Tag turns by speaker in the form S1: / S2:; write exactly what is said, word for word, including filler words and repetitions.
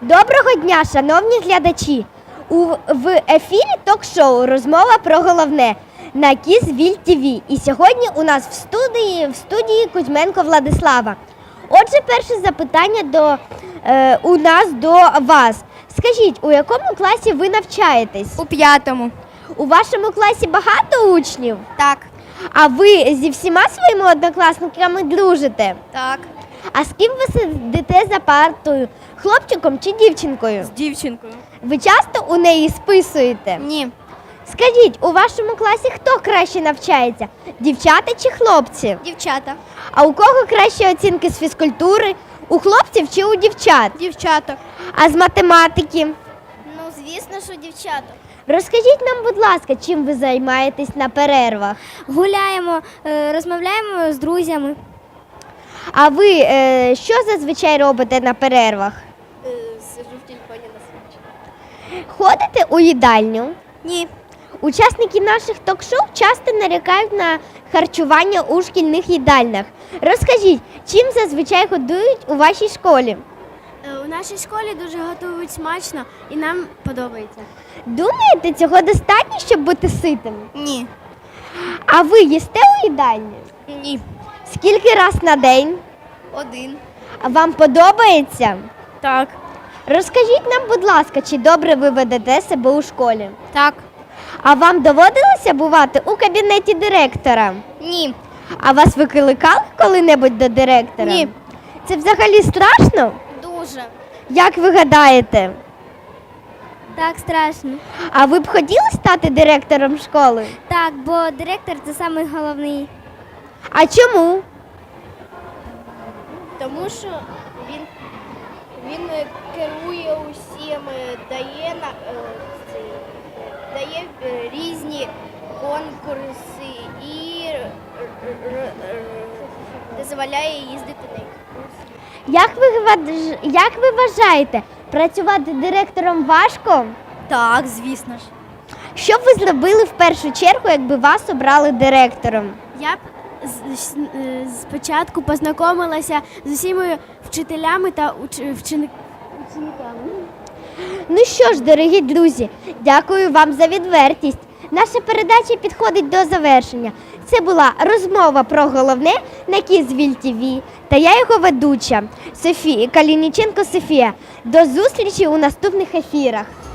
S1: Доброго дня, шановні глядачі! У, в ефірі ток-шоу «Розмова про головне» на Кізвіль ТВ. І сьогодні у нас в студії, в студії Кузьменко Владислава. Отже, перше запитання до, е, у нас до вас. Скажіть, у якому класі ви навчаєтесь?
S2: У п'ятому.
S1: У вашому класі багато учнів?
S2: Так.
S1: А ви зі всіма своїми однокласниками дружите?
S2: Так.
S1: А з ким ви сидите за партою? Хлопчиком чи дівчинкою?
S2: З дівчинкою.
S1: Ви часто у неї списуєте?
S2: Ні.
S1: Скажіть, у вашому класі хто краще навчається? Дівчата чи хлопці?
S2: Дівчата.
S1: А у кого кращі оцінки з фізкультури? У хлопців чи у дівчат?
S2: Дівчата.
S1: А з математики?
S2: Ну, звісно, що дівчата.
S1: Розкажіть нам, будь ласка, чим ви займаєтесь на перервах?
S2: Гуляємо, розмовляємо з друзями.
S1: А ви е, що зазвичай робите на перервах?
S2: Сижу в телефоні на свічі.
S1: Ходите у їдальню?
S2: Ні.
S1: Учасники наших ток-шоу часто нарікають на харчування у шкільних їдальнях. Розкажіть, чим зазвичай годують у вашій школі?
S2: У нашій школі дуже готують смачно і нам подобається.
S1: Думаєте, цього достатньо, щоб бути ситим?
S2: Ні.
S1: А ви їсте у їдальні?
S2: Ні.
S1: Скільки раз на день?
S2: Один.
S1: А вам подобається?
S2: Так.
S1: Розкажіть нам, будь ласка, чи добре ви ведете себе у школі?
S2: Так.
S1: А вам доводилося бувати у кабінеті директора?
S2: Ні.
S1: А вас викликали коли-небудь до директора?
S2: Ні.
S1: Це взагалі страшно?
S2: Дуже.
S1: Як ви гадаєте?
S2: Так, страшно.
S1: А ви б хотіли стати директором школи?
S2: Так, бо директор – це найголовніший.
S1: А чому?
S3: Тому що він, він керує усім, дає, на- е, ці- дає е, різні конкурси і р- р- р- дозволяє їздити на екскурсії.
S1: Як ви, вваж- як ви вважаєте, працювати директором важко?
S2: Так, звісно ж.
S1: Що б ви зробили в першу чергу, якби вас обрали директором?
S2: Я б з- з- е, спочатку познайомилася з усіма вчителями та уч- вчени- учениками.
S1: Ну що ж, дорогі друзі, дякую вам за відвертість. Наша передача підходить до завершення. Це була розмова про головне на Кізвіль ТВ. Та я його ведуча Софія Калініченко Софія. До зустрічі у наступних ефірах.